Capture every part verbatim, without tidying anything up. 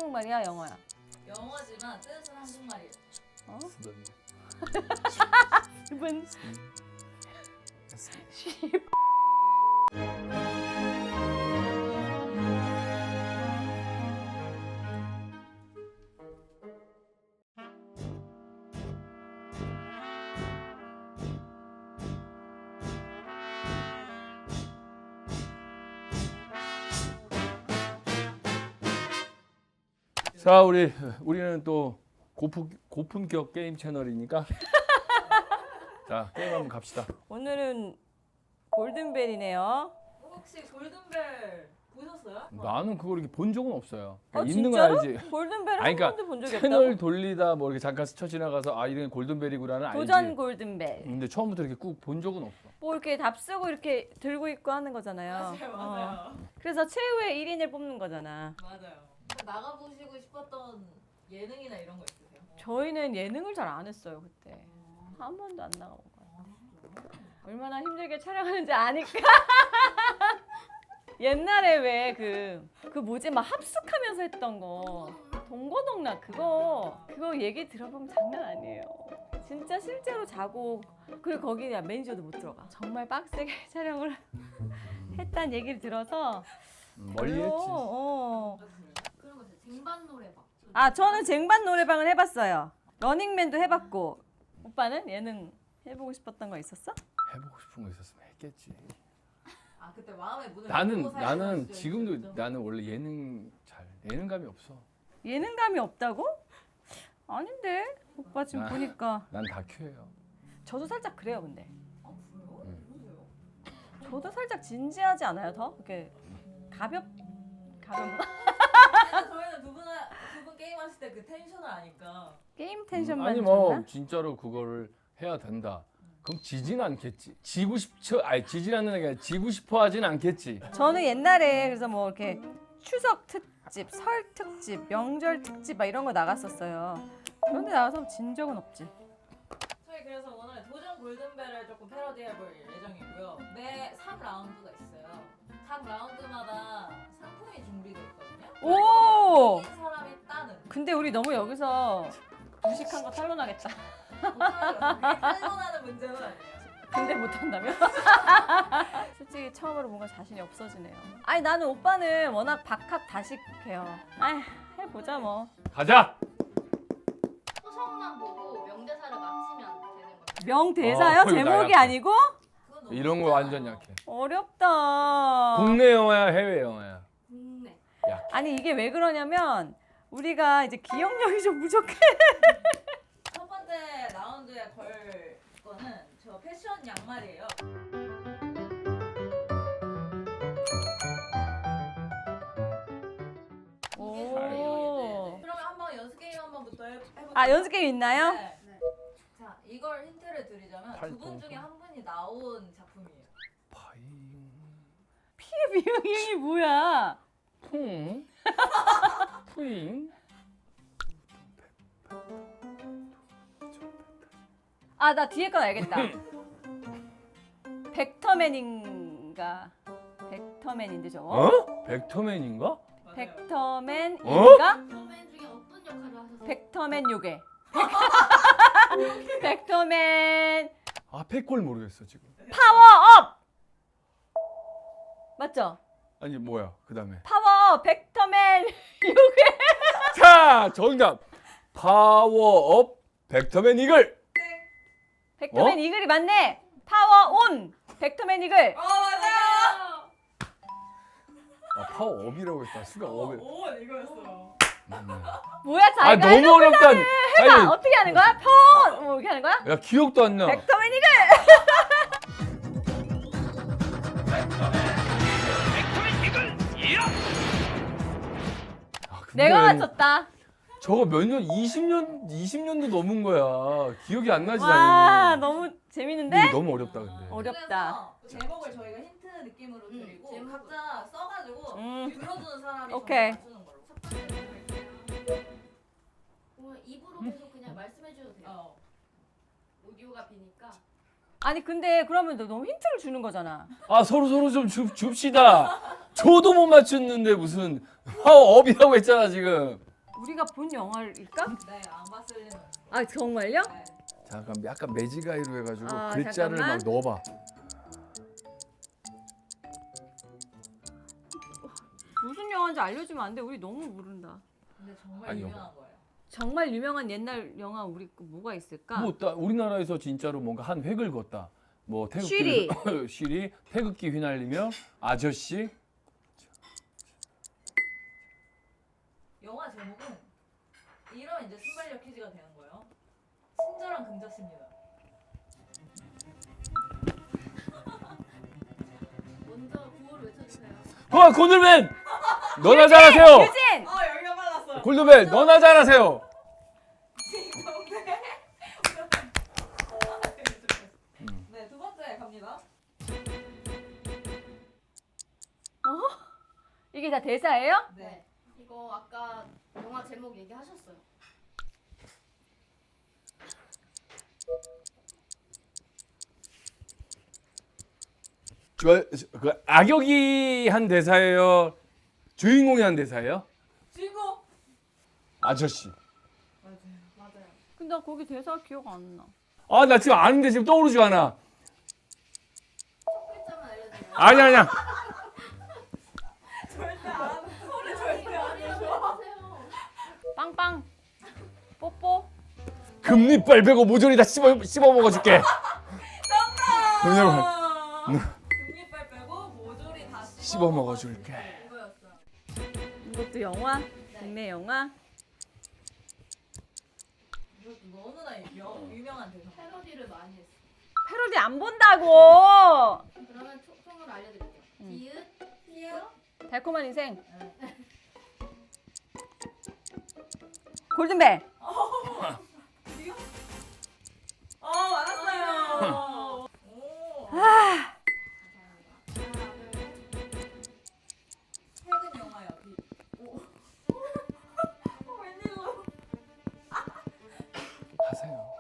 한국말이야, 영어야? 영어지만 뜻은 한국말이에요. 어? 수분. 수분. 자, 우리 우리는 또 고품 고품격 게임 채널이니까 자 게임 한번 갑시다. 오늘은 골든벨이네요. 혹시 골든벨 보셨어요? 나는 그걸 이렇게 본 적은 없어요. 어, 있는 건 진짜로? 알지. 골든벨을 아니, 한 그러니까 번도 본 적이 채널 없다고? 돌리다 뭐 이렇게 잠깐 스쳐 지나가서 아 이런 골든벨이구나는 알지. 도전 골든벨. 근데 처음부터 이렇게 꾹 본 적은 없어. 뭐 이렇게 답쓰고 이렇게 들고 있고 하는 거잖아요. 맞아요, 맞아요. 어. 그래서 최후의 일 인을 뽑는 거잖아. 맞아요. 나가보시고 싶었던 예능이나 이런 거 있으세요? 저희는 예능을 잘 안 했어요 그때. 한 번도 안 나가본 거야. 얼마나 힘들게 촬영하는지 아니까. 옛날에 왜 그 그 뭐지 막 합숙하면서 했던 거 동거동락 그거 그거 얘기 들어보면 장난 아니에요. 진짜 실제로 자고 그리고 거기 매니저도 못 들어가. 정말 빡세게 촬영을 했다는 얘기를 들어서 음, 멀리 별로, 했지. 어. 그런 거 있어요. 쟁반 노래방. 아 저는 쟁반 노래방을 해봤어요. 러닝맨도 해봤고. 오빠는 예능 해보고 싶었던 거 있었어? 해보고 싶은 거 있었으면 했겠지. 아 그때 마음의 문을 나는 열고 살던 나는 시절이 지금도 있었죠? 나는 원래 예능 잘 예능감이 없어. 예능감이 없다고? 아닌데 오빠 지금 아. 보니까 난 다큐예요. 저도 살짝 그래요 근데. 아 그래요? 응. 그러세요? 저도 살짝 진지하지 않아요 더? 이렇게 가볍 가볍나? 저희는 두 분 두 분 게임 하실 때 그 텐션을 아니까. 게임 텐션만 아니 뭐 줬나? 진짜로 그거를 해야 된다. 그럼 지진 않겠지. 지고 싶죠. 아니 지진 않는 게 아니라 지고 싶어 하진 않겠지. 저는 옛날에 그래서 뭐 이렇게 추석 특집, 설 특집, 명절 특집 막 이런 거 나갔었어요. 그런데 나가서 진 적은 없지. 저희 그래서 오늘 도전 골든벨을 조금 패러디해볼 예정이고요. 매 삼 라운드가 있어요. 각 라운드마다 상품이 준비되어 있거든요. 오! 이긴 사람이 따는. 근데 우리 너무 여기서 무식한 거 탄론하겠다. 탈론하는 문제는 아니에요. 근데 못한다며? 솔직히 처음으로 뭔가 자신이 없어지네요. 아니 나는 오빠는 워낙 박학다식해요. 아 해보자 뭐. 가자. 초성만 보고 명대사를 맞히면 되는 거예요. 명대사요? 어, 이거 나 제목이 약해. 아니고? 그건 너무 이런 거 쉽잖아요. 완전 약해. 어렵다. 국내 영화야, 해외 영화야. 국내. 아니 이게 왜 그러냐면 우리가 이제 기억력이 좀 부족해. 첫 번째 라운드에 걸 거는 저 패션 양말이에요. 오. 그러면 한번 연습 게임 한번부터 해볼게요. 아 연습 게임 있나요? 네. 네. 자, 이걸 힌트를 드리자면 두 분 팔뚝. 중에 한 분이 나온 작품이에요. 파잉. 피해 비용이 뭐야? 풍. 푸잉. 아 나 뒤에 건 알겠다. 벡터맨인가? 벡터맨인데 저거? 어? 벡터맨인가? 맞아요. 벡터맨인가? 처음엔 중에 어떤 역할을 하셨어요? 벡터맨 요괴. 벡터맨 아, 패골 모르겠어, 지금. 파워업! 맞죠? 아니, 뭐야? 그다음에. 파워 벡터맨 요괴. 자, 정답. 파워업 벡터맨 이글. 벡터맨 어? 이글이 맞네. 파워온 벡터맨 이글. 어, 맞아요. 아, 파워업이라고 했다. 수가 업에. 오, 이거였어요. 음. 뭐야 아, 자기가 너무 해놓고 어렵다. 해봐. 아니, 어떻게 하는 거야? 폰! 뭐 이렇게 하는 거야? 야, 기억도 안 나. 벡터맨 이글. 아, 근데 내가 맞췄다. 저거 몇 년, 이십 년, 이십 년도 넘은 거야. 기억이 안 나지, 와 당연히. 너무 근데 재밌는데? 이거 너무 어렵다, 근데. 어렵다. 그래서 제목을 저희가 힌트 느낌으로 음, 드리고 제목을. 각자 써가지고 음. 들어주는 사람이 오케이. 정답 맞추는 걸로. 첫 번째 드릴게요. 오늘 입으로 계속 그냥 말씀해 주셔도 돼요. 어. 오디오가 비니까. 아니 근데 그러면 너 너무 힌트를 주는 거잖아. 아, 서로 서로 좀 줍, 줍시다. 저도 못 맞췄는데 무슨 파워업이라고 했잖아, 지금. 우리가 본 영화일까? 네, 안 봤을 리는. 아 정말요? 네. 잠깐 약간 매지가이로 해가지고 아, 글자를 잠깐만. 막 넣어봐. 무슨 영화인지 알려주면 안 돼. 우리 너무 모른다. 근데 정말 아니요. 유명한 거예요. 정말 유명한 옛날 영화 우리 거 뭐가 있을까? 뭐 따- 우리나라에서 진짜로 뭔가 한 획을 걷다. 뭐 쉬리. 태극기 쉬리 태극기 휘날리며 아저씨. 영화 제목은 이런 이제 순발력 퀴즈가 되는 거예요. 친절한 금자씨입니다. 먼저 구호를 외쳐주세요. 어 골드맨. 너나 잘하세요. 유진! 아 여기가 빨랐어요. 골드맨 너나 잘하세요. 네, 두 번째 갑니다. 이게 다 대사예요? 네. 이거 아까 영화 제목 얘기하셨어요. 저, 저- 그 악역이 한 대사예요. 주인공이 한 대사예요. 주인공. 아저씨. 맞아요. 맞아요. 근데 나 거기 대사 기억 안 나. 아 나 지금 아는데 지금 떠오르지 않아. 첫 글자만 알려드려요. 아니 아니야. 절대 안. 소리 절대 안 말이라도 해줘. 해주세요. 빵빵. 뽀뽀. 금리빨 빼고 모조리 다 씹어 씹어 먹어줄게. 정답. 금리빨 빼고 모조리 다 씹어 먹어줄게. 이거였어요. 이것도 영화? 국내 영화? 이것도 너무나 유- 유명한 대사. 패러디를 많이 했어. 패러디 안 본다고. 그러면 총, 총으로 알려드릴게요. 응. 디귿, 히읗, 달콤한 인생. 네. 골든벨. 어 맞았어요. 오. 감사합니다. 하나, 둘, 셋. 최근 영화요. 비. 오. 어, 웬일로? 하세요.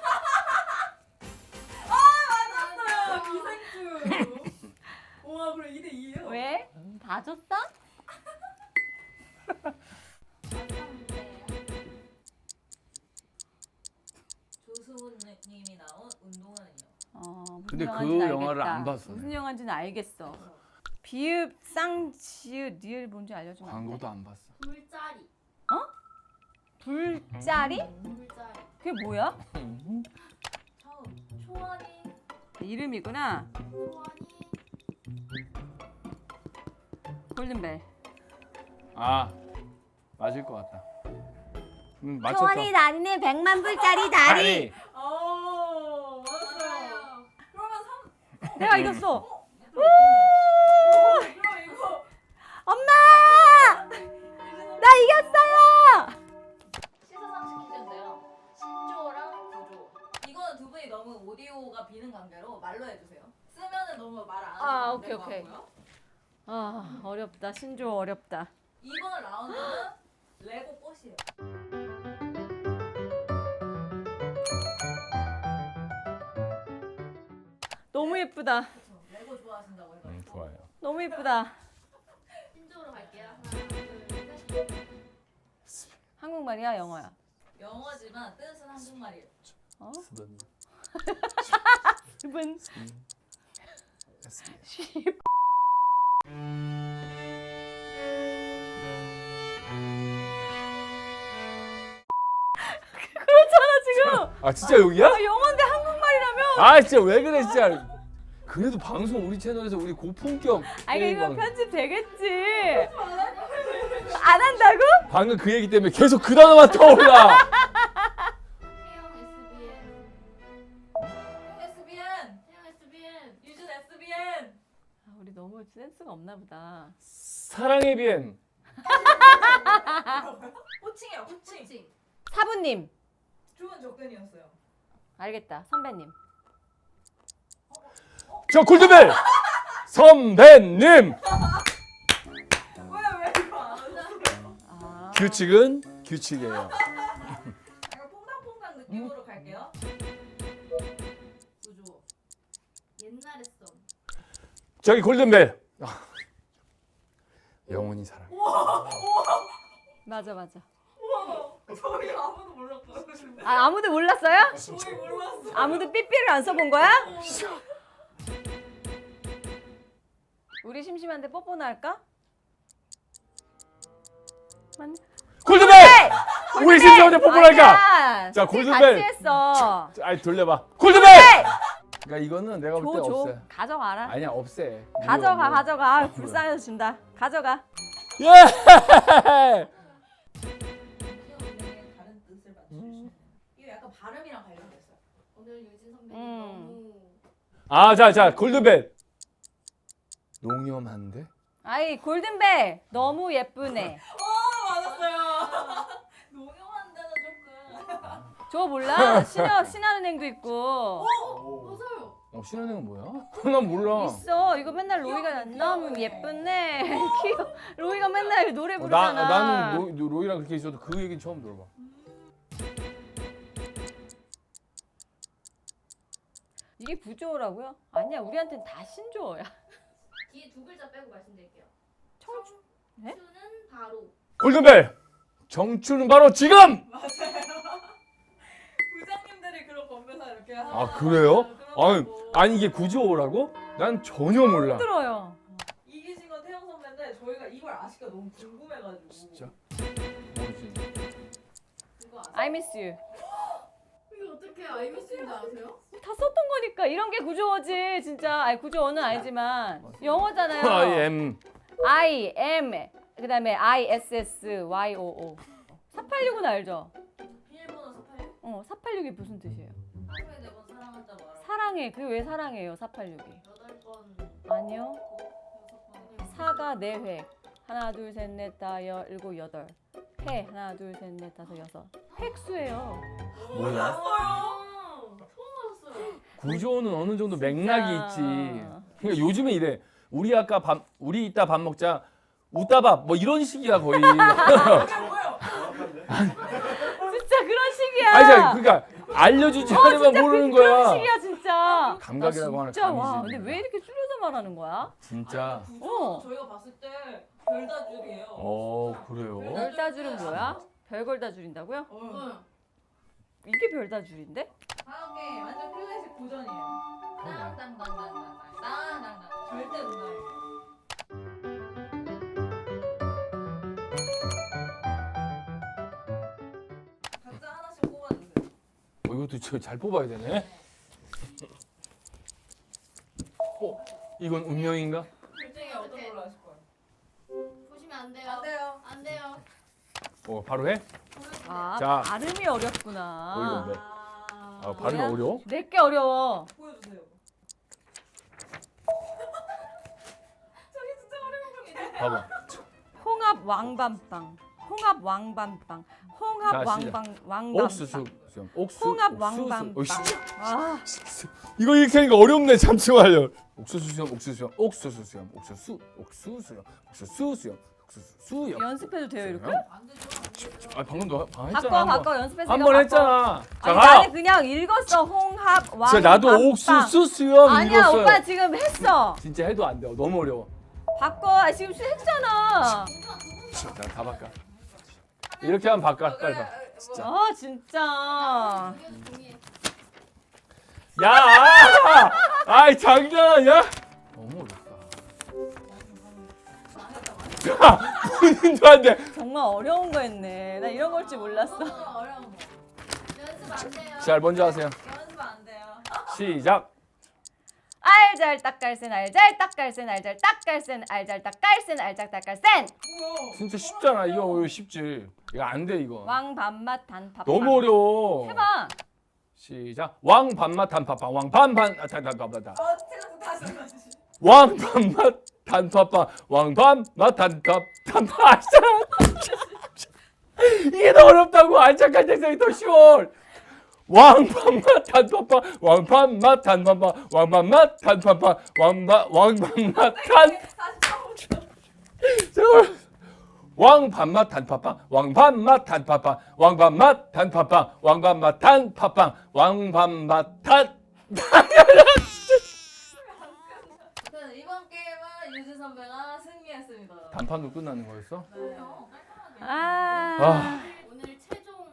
맞았어요. 기생충. 와 그래 이 대 이예요. 왜? 다 줬어? 마지막 문제예요. 조수훈님이 나온 운동하는요. 어, 무슨 근데 그 영화인지는 영화를 알겠다. 안 봤어, 무슨 내가. 영화인지는 알겠어. 비읍, 쌍, 지읒, 니을 뭔지 알려주면 안 돼? 광고도 안 봤어. 불짜리. 불짜리? 불짜리. 그게 뭐야? 처음 초원이 이름이구나. 소원이. 골든벨. 아 맞을 것 같다. 음, 맞췄다. 초원이 다니는 백만 불짜리 다리. 어 맞았어요. 그러면 삼. 내가 이겼어. 그럼 이거 엄마! 나 이겼어요. 시사상식 퀴즈인데요. 신조어랑 구조. 이거는 두 분이 너무 오디오가 비는 관계로 말로 해주세요. 쓰면은 너무 말 안 하셔도 아, 안 오케이, 될 것 오케이. 같고요. 아 어렵다. 신조 어렵다. 이번 라운드는 레고 꽃이에요. 너무 예쁘다. 그쵸? 레고 좋아하신다고 해서. 음, 좋아요. 너무 예쁘다. 신조어로 갈게요. 하나, 둘, 셋. 한국말이야, 영어야? 영어지만 뜻은 한국말이에요. 어? 스번. 스분. 그렇잖아 지금. 아 진짜 여기야? 아, 영어인데 한국말이라며? 아 진짜 왜 그래 진짜. 그래도 방송 우리 채널에서 우리 고품격 아니 게임 이거 방송. 편집 되겠지. 안 한다고? 방금 그 얘기 때문에 계속 그 단어만 떠올라. 태영 에스비엔. 에스비엔, 태영 에스비엔. 유준 에스비엔. 아, 우리 너무 센스가 없나 보다. 사랑의 비엔. 호칭이야 호칭. 호칭. 사부님. 좋은 접근이었어요. 알겠다. 선배님. 저 골드벨 선배님. 왜 왜 이거 안 하셨어요? 아. 규칙은 규칙이에요. 약간 퐁당퐁당 느낌으로 갈게요. 구조. 옛날에 썸. 저기 골든벨. 아. 영원히 사랑. 맞아 맞아. 우와 저희 아무도 몰랐어요. 아 아무도 몰랐어요? 저희 몰랐어. 아무도 삐삐를 안 써본 거야? 우리 심심한데 뽀뽀나 할까? 맞네. 골드벨! 우리 심심한데 뽀뽀할까? 아니야. 자, 같이 골드벨. 했어. 아이 돌려봐. 골드벨! 그러니까 이거는 내가 볼 때 줘, 줘. 없애. 가져가라. 아니야 없애. 가져가, 무효, 무효. 가져가. 아, 불쌍해서 준다. 가져가. 예! 귀여운데 다른 뜻을 맞추시네요. 이거 약간 발음이랑 관련됐어요. 오늘 유진 선배님 음. 너무 아, 자, 자, 골드벨. 농염한데? 아이, 골든벨. 너무 예쁘네. 어 맞았어요. 농염한 데는 조금. 저 몰라? 신여, 신한은행도 있고. 맞아요. 어, 신한행은 뭐야? 난 몰라. 있어. 이거 맨날 로이가 너무 예쁘네. 귀여워. 로이가 맨날 노래 어, 나, 부르잖아. 나는 로, 로이랑 그렇게 있어도 그 얘기는 처음 들어봐. 이게 부조라고요? 아니야, 우리한테는 다 신조어야. 뒤에 두 글자 빼고 말씀드릴게요. 청춘. 네? 청춘은 바로 골든벨! 정추는 바로 지금! 맞아요. 부장님들이 그런 건배사 이렇게 하는. 아, 그래요? 아니, 아니 이게 구조라고? 난 전혀 몰라. 들어요. 이기신 건 태영 선배인데 저희가 이걸 아실까 너무 궁금해가지고. 진짜? 모르지. 그거 아세요? I miss you. 이거 어떻게 아이미스인지 아세요? 다 썼던 거니까 이런 게 구조어지 진짜. 아니 구조어는 아니지만 영어잖아요. I am. I am 그다음에 I S S Y O O. 사팔육은 알죠? 비밀번호 사팔육? 어, 사팔육이 무슨 뜻이에요? 하루에 네 번 사랑한다 말하고. 사랑해. 그게 왜 사랑해요? 사팔육이. 여덟 번, 아니요. 여섯 번. 사가 네 회. 하나, 둘, 셋, 넷, 다, 여, 일곱, 여덟. 회. 하나, 둘, 셋, 넷, 다섯, 여섯. 획수예요. 뭐야? 아, 처음 알았어요. 구조는 어느 정도 맥락이 진짜. 있지. 그러니까 요즘에 이래. 우리 아까 밥, 우리 이따 밥 먹자. 웃다밥 뭐 이런 식이야 거의. 이게 뭐예요? 진짜 그런 식이야. 아니, 자, 그러니까 알려주지 않으면 진짜 모르는 그, 그런 거야. 식이야 진짜. 감각이라고 나 하는 진짜 와. 감이지. 근데 왜 이렇게 줄여서 말하는 거야? 진짜. 구조 어. 저희가 봤을 때 별다줄이에요. 어, 그래요. 별다줄은 뭐야? 별걸 다 줄인다고요? 어. 응. 이게 별다줄인데? 다음 게 완전 클래식 고전이에요. 땅땅땅땅땅땅 땅땅땅 절대 농담이에요. 각자 하나씩 뽑아주세요. 어, 이것도 저 잘 뽑아야 되네. 어, 이건 운명인가? 둘 중에 어떤 걸로 하실 거예요? 보시면 안 돼요. 안 돼요. 안 돼요. 어, 바로 해? 아, 자. 발음이 어렵구나. 어이구, 네. 아, 아, 발음이 뭐야? 어려워? 내게 어려워. 보여주세요. 저기 진짜 어려운 거. 봐봐. 홍합 왕밤빵. 홍합 왕밤빵. 홍합 자, 왕방 왕밤빵. 옥수수 수염. 옥수. 홍합 옥수수. 왕밤빵. 어, 씨. 아, 이거 이렇게 하니까 어렵네. 잠시만요. 옥수수 수염, 옥수수 수염, 옥수수 수염, 옥수수, 옥수수 수염, 옥수수 수염, 옥수수 수염. 연습해도 돼요 이렇게? 안 되죠. 아, 방금 너 방 바꿔 했잖아. 바꿔 연습했으니까 한 번 바꿔. 했잖아. 자, 아니, 가요. 나는 그냥 읽었어. 홍합 왕밤빵. 진짜 나도 옥수수 수염 아니야 읽었어요. 오빠 지금 했어. 진짜 해도 안 돼. 너무 어려워. 바꿔. 아, 지금 했잖아. 나 다 바꿔. 이렇게 하면 바꿔. 빨리 봐. 진짜. 아 진짜. 이게 종이에 야! 아! 아이 장난 아니야? 너무 어렵다. 야! 본인도 안 돼. 정말 어려운 거 했네. 나 이런 걸 줄 몰랐어. 어, 어려운 거. 연습 안 돼요. 자, 먼저 하세요. 연습 안 돼요. 시작. 알잘 딱갈센 알잘 딱갈센 알잘 딱갈센 알잘 딱갈센 알잘 딱갈센. 뭐야? 진짜 쉽잖아. 이거 이거 쉽지. 이거 안 돼 이거. 왕밤맛 단팥빵. 너무 어려워. 해봐. 시작. 왕 밥맛 단팥빵. 왕 반반 아, 단팥빵. 어, 틀렸어. 다시 다시. 왕 밥맛 단팥빵. 왕 반맛 단팥 단팥. 이게 더 어렵다고. 안착할 때성이 더 쉬워. 왕밤맛 단팥빵, 왕밤맛 단팥빵, 왕밤맛 단팥빵, 왕바 왕밤맛 단. 잠깐. 왕밤맛 단팥빵, 왕밤맛 단팥빵, 왕밤맛 단팥빵, 왕밤맛 단팥빵, 왕밤맛 단. 아무튼 이번 게임은 유진 선배가 승리했습니다. 단판도 끝나는 거였어? 네. 아. 아. 오늘 최종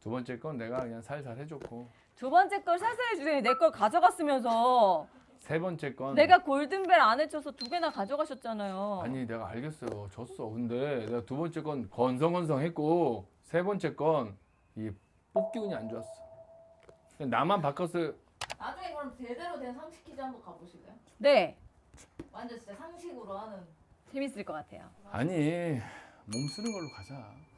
두 번째 건 내가 그냥 살살 해줬고 두 번째 걸 살살 해주더니 내 걸 가져갔으면서 세 번째 건 내가 골든벨 안 해줘서 두 개나 가져가셨잖아요. 아니 내가 알겠어요. 졌어. 근데 내가 두 번째 건 건성건성했고 세 번째 건 이 뽑기 운이 안 좋았어. 그냥 나만 바꿨어. 나중에 그럼 제대로 된 상식 퀴즈 한번 가보실래요? 네, 완전 진짜 상식으로 하는. 재밌을 것 같아요. 아니 몸 쓰는 걸로 가자.